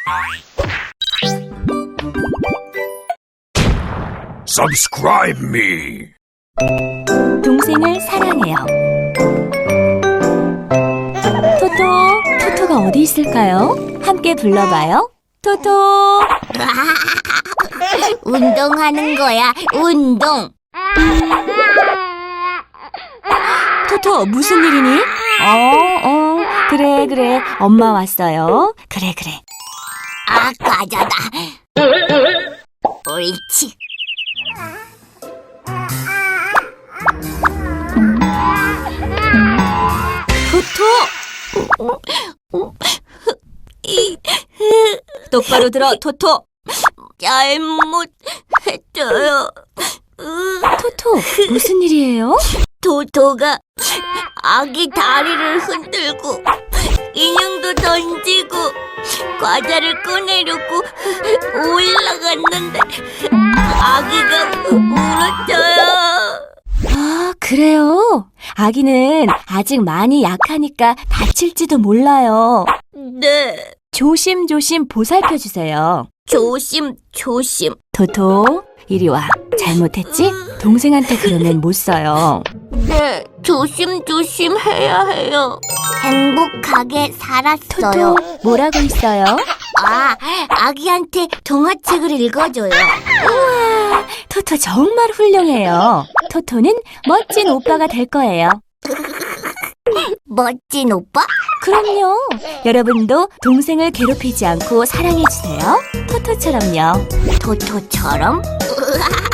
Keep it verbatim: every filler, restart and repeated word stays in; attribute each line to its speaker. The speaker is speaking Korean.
Speaker 1: Subscribe me.
Speaker 2: 동생을 사랑해요. 토토, 토토가 어디 있을까요? 함께 불러봐요. 토토.
Speaker 3: 운동하는 거야, 운동.
Speaker 2: 토토, 무슨 일이니? 어, 어, 그래, 그래. 엄마 왔어요. 그래, 그래.
Speaker 3: 아, 과자다. 옳지.
Speaker 2: 토토! 똑바로 들어, 토토.
Speaker 3: 잘못했어요.
Speaker 2: 토토, 무슨 일이에요?
Speaker 3: 토토가 아기 다리를 흔들고 인형도 던지고 과자를 꺼내려고 올라갔는데 아기가 울었어요.
Speaker 2: 아, 그래요? 아기는 아직 많이 약하니까 다칠지도 몰라요.
Speaker 3: 네,
Speaker 2: 조심조심 보살펴주세요.
Speaker 3: 조심 조심.
Speaker 2: 토토, 이리 와. 잘못했지? 동생한테 그러면 못 써요.
Speaker 3: 네, 조심 조심 해야 해요. 행복하게 살았어요.
Speaker 2: 토토, 뭐라고 있어요?
Speaker 3: 아, 아기한테 동화책을 읽어줘요.
Speaker 2: 우와, 토토 정말 훌륭해요. 토토는 멋진 오빠가 될 거예요.
Speaker 3: 멋진 오빠?
Speaker 2: 그럼요. 여러분도 동생을 괴롭히지 않고 사랑해주세요. 토토처럼요.
Speaker 3: 토토처럼?